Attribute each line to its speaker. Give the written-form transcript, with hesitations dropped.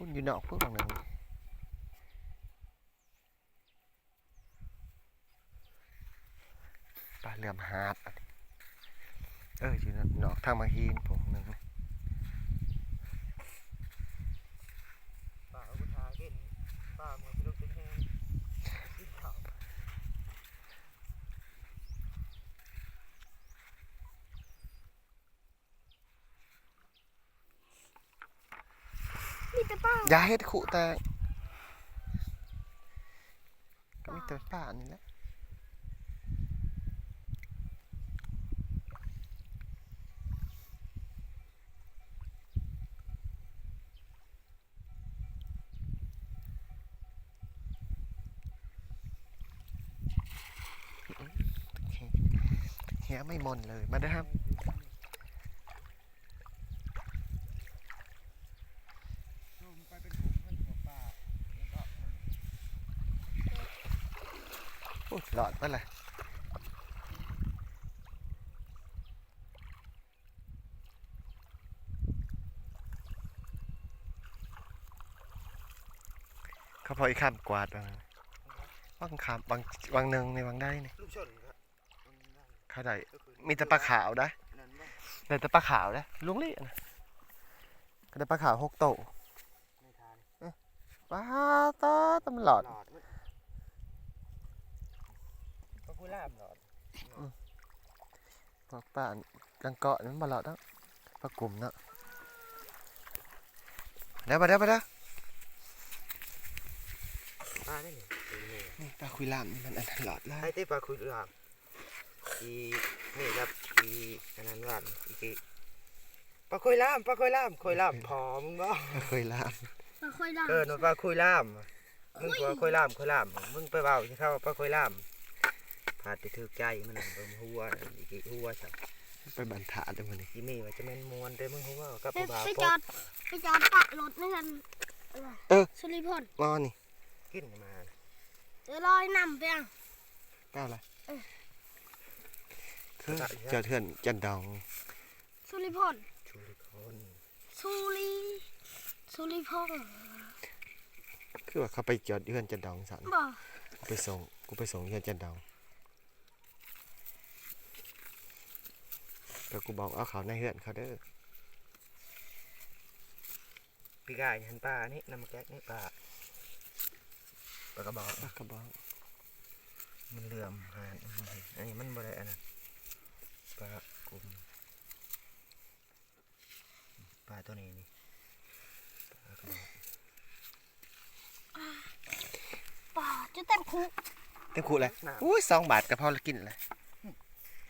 Speaker 1: พุ่นอยู่นอกพุ่นหนึ่งปลาเหลื่อมหาดอยู่นอกทางมาฮีนผมหนึ่ง
Speaker 2: ป่าอุทาเก่นป่าเมืองพิรุณเป็นแห้งกินข้าว
Speaker 3: มีแต่ป้า
Speaker 1: อย่าเฮ็ดขู่แตกก็มีแต่ป่านี่แหละเฮียไม่มนเลยมาเด้อครับ
Speaker 2: ไปเป็นฝูงเพื่อนของป่าแล้วก็
Speaker 1: หลอดไปเลยเขาพออีกข้ามกวาดบางข้ามบางหนึ่งในบางได้นี่
Speaker 2: ลูกชนครับ
Speaker 1: เขาได้มีแต่ปลาขาวได้ได้แต่ปลาขาวได้ลุงลี่นะก็ได้ปลาขาว6 โตปลาตำหลอด
Speaker 2: ก็คุยล่ามหลอด
Speaker 1: พวกป่านกังเกาะนั้นมาหลอดแล้วปลากลุ่มเนาะเดี๋ยวมาเด้อ
Speaker 2: ปลาได้เนี่ย
Speaker 1: นี่ปลาคุยลามนี่มันอันตลอดแล้ว
Speaker 2: ให้ที่ปลาคุยล่ามนี่ครับอันนั้นหวานปลาคุยล่ามคุยล่ามพอมึงก็
Speaker 1: ปลาคุยลาม
Speaker 3: ปลาค่อยดัง
Speaker 2: หนูปลาคุยล่ามมึงปลาคุยล่ามมึงไปเบาที่เข้าปลาคุยล่ามพาดไปถือใจมันหัวหัวสับ
Speaker 1: ไปบันทาเลยมันนี่
Speaker 2: ยี่มีว่าจะเป็นมวนแต่มึงหัวกับ
Speaker 3: ไป
Speaker 2: ผู้บ่าว
Speaker 3: ไป
Speaker 2: ป
Speaker 3: จอ
Speaker 2: อ
Speaker 3: ดไปจอดปะรถนี่กันสุริพล
Speaker 1: งอนี่
Speaker 2: กินมา
Speaker 3: ลอยน้ำไปอ่ะ
Speaker 1: ก้าวอะไรคือเจอเถื่อนจันดอง
Speaker 3: สุริพล
Speaker 2: ชูริคน
Speaker 3: สุริพล
Speaker 1: คือว่าเขาไปจอดเถื่อนจันดองสัน
Speaker 3: บ่
Speaker 1: กูไปส่งเถื่อนจันดองแต่กูบอกเอาเขาในเถื่อนเขาเด้อ
Speaker 2: พี่กายหันปลานี่น้ำแก๊กนี่ปลากระบอก
Speaker 1: ปลากระบอก
Speaker 2: มันเหลื่อมหานอันนี้มันบ่ได้อันนั้นปลากลุ่มปลาตัวนี้นี่ปลากระบอก
Speaker 3: ป่าจะเต็มคุก
Speaker 1: เต็มขู่เลยอุ้ย2 บาทก็พอละกินเลย